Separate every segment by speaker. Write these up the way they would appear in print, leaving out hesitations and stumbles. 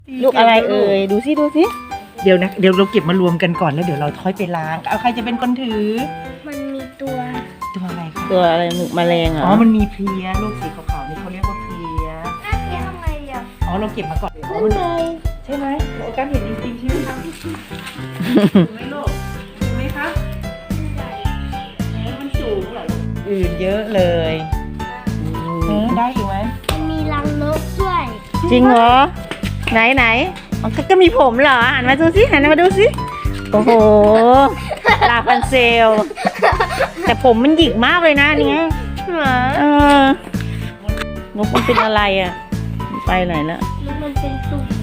Speaker 1: ลูกอะไรเอ่ยดูสิดูสิ
Speaker 2: เดี๋ยวนะเดี๋ยวเราเก็บมารวมกันก่อนแล้วเดี๋ยวเราค่อยไปล้างเอาใครจะเป็นคนถือ
Speaker 3: มันมีตัว
Speaker 2: ตัวอะไรคะ
Speaker 1: ตัวอะไรแมลงเหร
Speaker 2: อ๋
Speaker 1: อ
Speaker 2: อมันมีเพลียลูกสีขาวๆนี่เขาเรียกว่าเพลีย
Speaker 3: น่าเสียทำไมอ่ะ
Speaker 2: อ๋อเราเก็บมาก่อน
Speaker 3: นั่นเลย
Speaker 2: ใช่ไหมโอ้การเห็นจริงๆใช่ไหมคะถูกไหมลูกถูกไหมคะมันสูงเหรออื่นเยอะเลยได้อีกไหม
Speaker 3: มันมีรังนกด้วย
Speaker 1: จริงเหรอไหนไหนอ๋อก็มีผมเหรอหันมาดูสิหันมาดูสิโอ้โหลาพันเซล แต่ผมมันหยิกมากเลยนะอันเนี้ยนกมันเป็นอะไรอ่ะมันไปไหนละ
Speaker 3: แล้วมันเป็นตุ่ม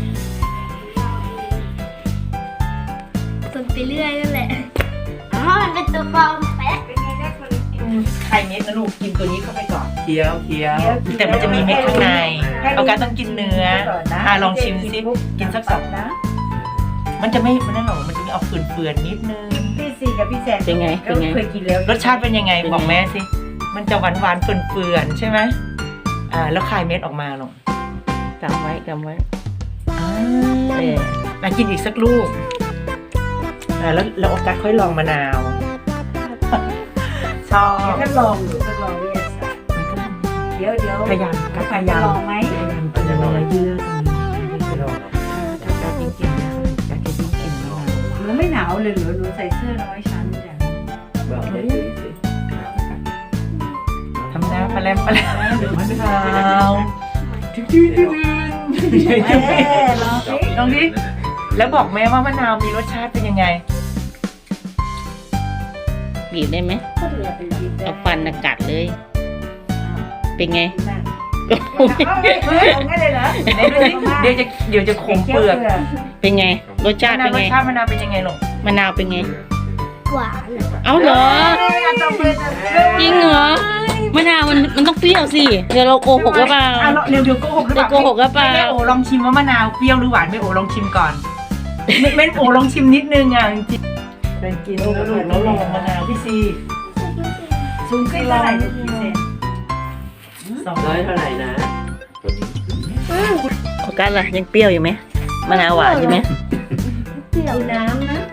Speaker 3: ตุ่มไปเรื่อยนั่นแหละอ๋อมันเป็นตัวปลอมแป๊ะ
Speaker 2: ไข่เม็ดนะลูกกินตัวนี้เข้าไปก่อนเคี้ยวแต่มันจะมีเม็ดข้างในเอาการต้องกินเนื้อลองชิมสิกินสักสองนะมันจะไม่นั่นหรอกมันจะมีออกเฟื่อนๆนิดนึง
Speaker 4: พี่ซีกับพี่แซน
Speaker 1: เป็นไงเป็นไง
Speaker 4: เคยกินแล้ว
Speaker 2: รสชาติเป็นยังไงบอกแม่สิมันจะหวานๆเฟื่อนๆใช่ไหมแล้วคายเม็ดออกมาหรอก
Speaker 1: จำไว้จำไว้
Speaker 2: มากินอีกสักลูกแล้วโอกาสค่อยลองมะนาวชอบ
Speaker 4: ทดลองหรือทดลองวิทยาศาสตร์เดี๋ยว
Speaker 2: พยายาม
Speaker 4: ลองไหม
Speaker 2: จะลองเยื่อตรงนี้ถ้าการจริงๆนะการจะยิ่งกินมะนาว
Speaker 4: หนูไม่หนาวเลยเหรอหนูใส่เสื้อน้อยชั้นจ้ะ
Speaker 2: ทำหน้าปลาแรมหรือมะนาวดื้อลองดิแล้วบอกแม่ว่ามะนาวมีรสชาติเป็นยังไง
Speaker 1: บีบได้ไหม
Speaker 4: ก็เหลือเป็นดิบ
Speaker 1: เอาฟันกัดเลย เป็นไง
Speaker 4: เอางั้นเลยเหรอ
Speaker 2: เดี๋ยวจะขมเปลือก
Speaker 1: เป็นไงรสชาติเป็น
Speaker 2: ร
Speaker 1: ไง
Speaker 2: สชาติมะนาวเป็นยังไงลูก
Speaker 1: มะนาวเป็นไง
Speaker 3: หวาน
Speaker 1: เอาเหรอจริงเหรอมะนาวมันต้องเปรี้ยวสิเดี๋ยวเราโกหกหรือเปล่า
Speaker 2: เดี๋ยวโกหกหรือเปล่า
Speaker 1: โกหกหรือเปล่า
Speaker 2: แม่โอลองชิมว่ามะนาวเปรี้ยวหรือหวานแม่โอลองชิมก่อนแม่โอลองชิมนิดนึงอ่ะจริงๆเป็นกินแล้วลองมะนาวพี่ซี
Speaker 4: สูงขึ้นเท่าไหร่เนี่ยพี่แซน
Speaker 2: 200
Speaker 5: เท่าไหร่นะ
Speaker 1: โอกัสล่ะยังเปรี้ยวอยู่ไหมมะนาวหวานอยู่ไหม
Speaker 4: เปรี้ยวน้ำนะ